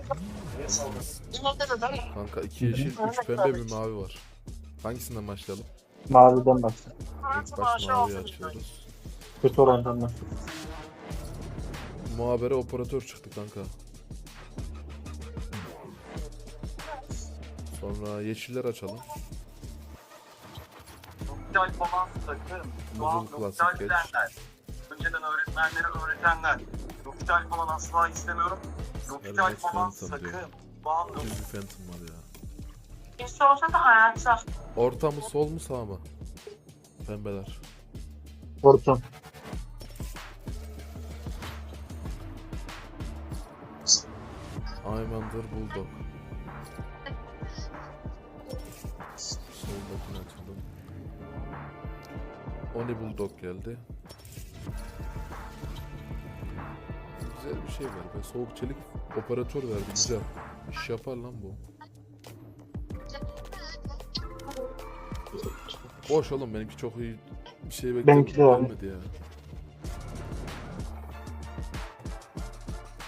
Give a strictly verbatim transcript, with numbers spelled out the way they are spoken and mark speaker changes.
Speaker 1: Kanka iki yeşil, üç pembe, bir mavi var. Hangisinden başlayalım?
Speaker 2: Maviden başla.
Speaker 1: İlk baş maviyi açıyoruz.
Speaker 2: Kötü olandan başla.
Speaker 1: Muhabere operatör çıktı kanka. Sonra yeşiller açalım.
Speaker 3: Sosyal balans takım.
Speaker 1: Muzul klasik geç.
Speaker 3: Önceden öğretmenlere öğretenler. Sosyal falan asla istemiyorum. Sosyal
Speaker 1: Hermes
Speaker 3: balans
Speaker 1: Phantom diyor.
Speaker 3: takım. Bağlı.
Speaker 1: Düz bir Phantom var ya.
Speaker 4: Hiç olsa da hayatta.
Speaker 1: Orta mı, sol mu, sağ mı? Pembeler.
Speaker 2: Hortum.
Speaker 1: Aymander Bulldog. Soldakini açalım. Oni Bulldog geldi. Güzel bir şey var be. Soğuk çelik operatör verdi. Güzel. İş yapar lan bu. Boş oğlum, benimki çok iyi bir şey
Speaker 2: Benimki de
Speaker 1: beklemedim.
Speaker 2: öyle.
Speaker 1: Gelmedi ya.